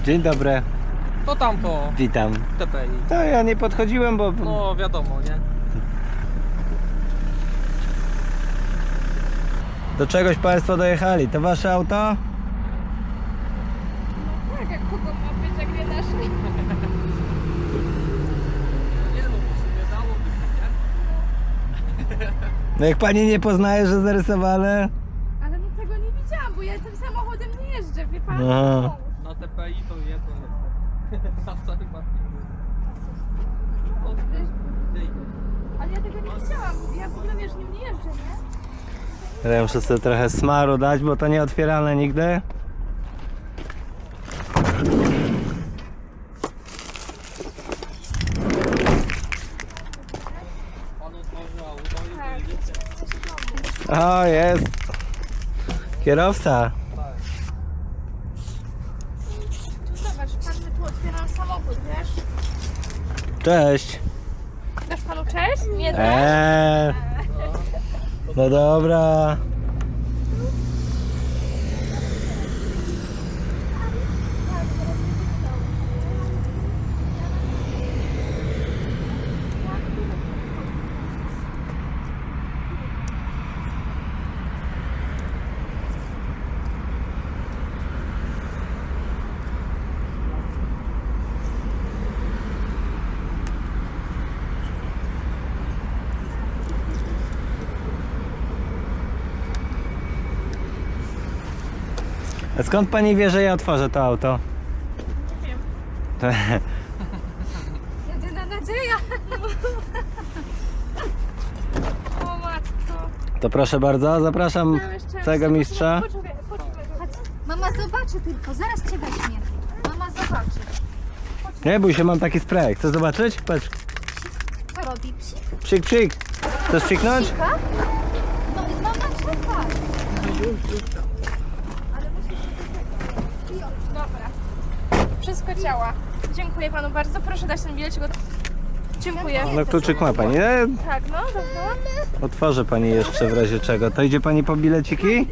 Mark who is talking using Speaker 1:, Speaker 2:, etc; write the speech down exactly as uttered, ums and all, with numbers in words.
Speaker 1: Dzień dobry.
Speaker 2: To tamto.
Speaker 1: Witam.
Speaker 2: T P I.
Speaker 1: To ja nie podchodziłem, bo...
Speaker 2: No wiadomo, nie?
Speaker 1: Do czegoś Państwo dojechali. To Wasze auto?
Speaker 3: Tak, jak kogo ma być, jak nie nasze?
Speaker 2: Nie no, w sumie dałoby się, nie?
Speaker 1: No jak Pani nie poznaje, że zarysowane?
Speaker 3: Ale no tego nie widziałam, bo ja tym samochodem nie jeżdżę, wie pan?
Speaker 1: No.
Speaker 2: Na T P I to jest, to jest. Na wcale bardziej nie. O, ty, ty.
Speaker 3: Ale ja tego nie widziałam, ja w ogóle wiesz, nim nie jeżdżę, nie?
Speaker 1: Ja muszę sobie trochę smaru dać, bo to nie otwierane nigdy.
Speaker 2: Pan otworzył auto i
Speaker 3: Tak.
Speaker 2: wyjedziecie.
Speaker 1: O, jest. Kierowca.
Speaker 2: Tak.
Speaker 3: Tu zobacz, pan mi tu otwieram samochód, wiesz?
Speaker 1: Cześć.
Speaker 3: Dasz panu cześć? Nie dasz?
Speaker 1: Eee, no dobra. A skąd Pani wie, że ja otworzę to auto?
Speaker 3: Nie wiem. Jedyna nadzieja. O matko.
Speaker 1: To proszę bardzo, zapraszam
Speaker 3: Całe szczęście.
Speaker 1: całego mistrza.
Speaker 3: Poczekaj, poczekaj. Chodź. Mama zobaczy tylko, zaraz cię weźmie. Mama zobaczy.
Speaker 1: Nie bój się, mam taki spray. Chcesz zobaczyć? Patrz.
Speaker 3: Co robi? Psik?
Speaker 1: Psik, psik. Chcesz psiknąć?
Speaker 3: Psika? No, mama czeka. Ale musisz się wybrać. Dobra. Wszystko działa. Dziękuję panu bardzo. Proszę dać ten bilecik. Od... Dziękuję.
Speaker 1: No kluczyk ma Pani. E,
Speaker 3: Tak, no, dobra.
Speaker 1: otworzę Pani jeszcze w razie czego. To idzie Pani po bileciki?